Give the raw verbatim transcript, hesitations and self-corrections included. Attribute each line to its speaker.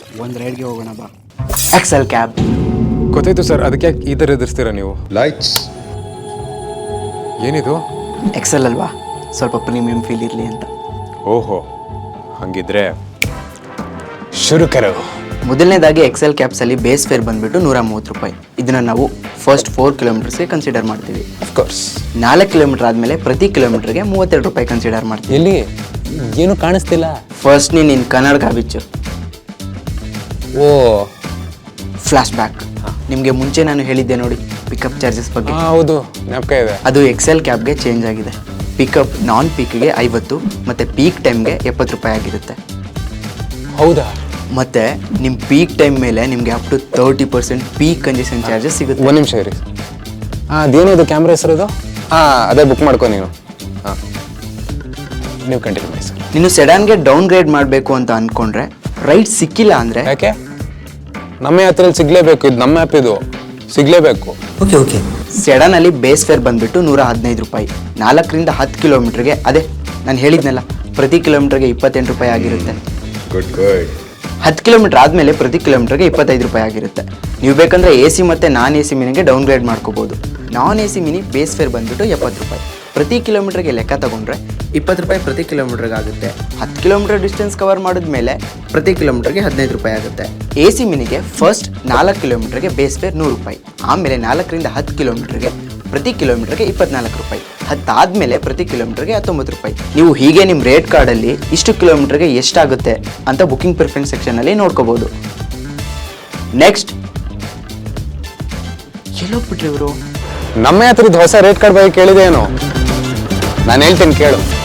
Speaker 1: ಒಂದು ರೈಡ್ಗೆ ಹೋಗೋಣ ಬಾ. Excel cab.
Speaker 2: ಗೊತ್ತಾಯ್ತು ಸರ್, ಅದಕ್ಕೆ ಯಾಕೆ ಈ ಥರ ಎದುರಿಸ್ತೀರಾ ನೀವು?
Speaker 3: ಲೈಟ್ಸ್.
Speaker 2: ಏನಿದು?
Speaker 1: ಎಕ್ಸೆಲ್ ಅಲ್ವಾ, ಸ್ವಲ್ಪ ಪ್ರೀಮಿಯಂ ಫೀಲ್ ಇರಲಿ ಅಂತ.
Speaker 2: ಓಹೋ, ಹಂಗಿದ್ರೆ ಶುರು ಕರೋ.
Speaker 1: ಮೊದಲನೇದಾಗಿ ಎಕ್ಸೆಲ್ ಕ್ಯಾಬ್ಸಲ್ಲಿ ಬೇಸ್ ಫೇರ್ ಬಂದುಬಿಟ್ಟು ನೂರ ಮೂವತ್ತು ರೂಪಾಯಿ. ಇದನ್ನು ನಾವು ಫಸ್ಟ್ ಫೋರ್ ಕಿಲೋಮೀಟರ್ಸ್ಗೆ ಕನ್ಸಿಡರ್ ಮಾಡ್ತೀವಿ.
Speaker 2: ಅಫ್ಕೋರ್ಸ್.
Speaker 1: ನಾಲ್ಕು ಕಿಲೋಮೀಟರ್ ಆದಮೇಲೆ ಪ್ರತಿ ಕಿಲೋಮೀಟರ್ಗೆ ಮೂವತ್ತೆರಡು ರೂಪಾಯಿ ಕನ್ಸಿಡರ್ ಮಾಡ್ತೀವಿ.
Speaker 2: ಎಲ್ಲಿ ಏನು ಕಾಣಿಸ್ತಿಲ್ಲ.
Speaker 1: ಫಸ್ಟ್ ನೀನು ನಿನ್ನ ಕನ್ನಡ ಬಿಚ್ಚು.
Speaker 2: ಓ,
Speaker 1: ಫ್ಲ್ಯಾಶ್ ಬ್ಯಾಕ್. ನಿಮಗೆ ಮುಂಚೆ ನಾನು ಹೇಳಿದ್ದೆ ನೋಡಿ ಪಿಕಪ್ ಚಾರ್ಜಸ್ ಬಗ್ಗೆ.
Speaker 2: ಹೌದು, ಜ್ಞಾಪಕ ಇದೆ.
Speaker 1: ಅದು ಎಕ್ಸೆಲ್ ಕ್ಯಾಬ್ಗೆ ಚೇಂಜ್ ಆಗಿದೆ. ಪಿಕಪ್ ನಾನ್ ಪೀಕ್ಗೆ ಐವತ್ತು ಮತ್ತು ಪೀಕ್ ಟೈಮ್ಗೆ ಎಪ್ಪತ್ತು ರೂಪಾಯಿ ಆಗಿರುತ್ತೆ.
Speaker 2: ಹೌದಾ?
Speaker 1: ಮತ್ತು ನಿಮ್ಮ ಪೀಕ್ ಟೈಮ್ ಮೇಲೆ ನಿಮಗೆ up to thirty percent peak congestion charges ಸಿಗುತ್ತೆ.
Speaker 2: ಒಂದು ನಿಮಿಷ ಇರಿ. ಹಾಂ, ಅದೇನದು ಕ್ಯಾಮ್ರಾ ಹೆಸರದು? ಹಾಂ, ಅದೇ ಬುಕ್ ಮಾಡ್ಕೊ ನೀನು. ಹಾಂ, ನೀವು ಕಂಟಿನ್ಯೂ ಮಾಡಿ ಸರ್.
Speaker 1: ನೀನು ಸೆಡಾನ್ಗೆ ಡೌನ್ ಗ್ರೇಡ್ ಮಾಡಬೇಕು ಅಂತ ಅಂದ್ಕೊಂಡ್ರೆ ರೈಟ್ ಸಿಕ್ಕಿಲ್ಲ ಅಂದರೆ
Speaker 2: ಯಾಕೆ? ನಮ್ಮ ಹತ್ರ ಸಿಗಲೇಬೇಕು, ಇದು ನಮ್ಮ ಆ್ಯಪ್, ಇದು ಸಿಗಲೇಬೇಕು.
Speaker 1: ಓಕೆ ಓಕೆ ಸೆಡಾನಲ್ಲಿ ಬೇಸ್ ಫೇರ್ ಬಂದುಬಿಟ್ಟು ನೂರ ಹದಿನೈದು ರೂಪಾಯಿ. ನಾಲ್ಕರಿಂದ ಹತ್ತು ಕಿಲೋಮೀಟ್ರಿಗೆ ಅದೇ ನಾನು ಹೇಳಿದ್ನಲ್ಲ, ಪ್ರತಿ ಕಿಲೋಮೀಟ್ರಿಗೆ ಇಪ್ಪತ್ತೆಂಟು ರೂಪಾಯಿ ಆಗಿರುತ್ತೆ.
Speaker 3: Good good.
Speaker 1: ಹತ್ತು ಕಿಲೋಮೀಟ್ರ್ ಆದಮೇಲೆ ಪ್ರತಿ ಕಿಲೋಮೀಟ್ರಿಗೆ ಇಪ್ಪತ್ತೈದು ರೂಪಾಯಿ ಆಗಿರುತ್ತೆ. ನೀವು ಬೇಕಂದರೆ ಎ ಸಿ ಮತ್ತು ನಾನ್ ಎ ಸಿ ಮಿನಿಗೆ ಡೌನ್ ಗ್ರೇಡ್ ಮಾಡ್ಕೋಬೋದು. Non A C mini base fare ಬಂದುಬಿಟ್ಟು ಎಪ್ಪತ್ತು ರೂಪಾಯಿ. ಪ್ರತಿ ಕಿಲೋಮೀಟ್ರಿಗೆ ಲೆಕ್ಕ ತೊಗೊಂಡ್ರೆ ಇಪ್ಪತ್ತು ರೂಪಾಯಿ ಪ್ರತಿ ಕಿಲೋಮೀಟ್ರಿಗೆ ಆಗುತ್ತೆ. ಹತ್ತು ಕಿಲೋಮೀಟರ್ ಡಿಸ್ಟೆನ್ಸ್ ಕವರ್ ಮಾಡಿದ್ಮೇಲೆ ಪ್ರತಿ ಕಿಲೋಮೀಟ್ರಿಗೆ ಹದಿನೈದು ರೂಪಾಯಿ ಆಗುತ್ತೆ. ಎ ಸಿ ಮಿನಿಗೆ ಫಸ್ಟ್ ನಾಲ್ಕು ಕಿಲೋಮೀಟ್ರಿಗೆ ಬೇಸ್ ಫೇರ್ ನೂರು ರೂಪಾಯಿ, ಆಮೇಲೆ ನಾಲ್ಕರಿಂದ ಹತ್ತು ಕಿಲೋಮೀಟ್ರಿಗೆ ಪ್ರತಿ ಕಿಲೋಮೀಟ್ರಿಗೆ ಇಪ್ಪತ್ನಾಲ್ಕು ರೂಪಾಯಿ, ಹತ್ತಾದಮೇಲೆ ಪ್ರತಿ ಕಿಲೋಮೀಟ್ರಿಗೆ ಹತ್ತೊಂಬತ್ತು ರೂಪಾಯಿ. ನೀವು ಹೀಗೆ ನಿಮ್ಮ ರೇಟ್ ಕಾರ್ಡಲ್ಲಿ ಇಷ್ಟು ಕಿಲೋಮೀಟ್ರಿಗೆ ಎಷ್ಟಾಗುತ್ತೆ ಅಂತ ಬುಕಿಂಗ್ ಪ್ರಿಫರೆನ್ಸ್ ಸೆಕ್ಷನಲ್ಲಿ ನೋಡ್ಕೋಬೋದು. ನೆಕ್ಸ್ಟ್ ಎಲ್ಲೋಗ್ಬಿಟ್ರಿ ಇವರು?
Speaker 2: ನಮ್ಮ ಹತ್ರದ ಹೊಸ ರೇಟ್ ಕಾರ್ಡ್ ಬಗ್ಗೆ ಕೇಳಿದೆ ಏನೋ? ನಾನು ಹೇಳ್ತೀನಿ ಕೇಳು.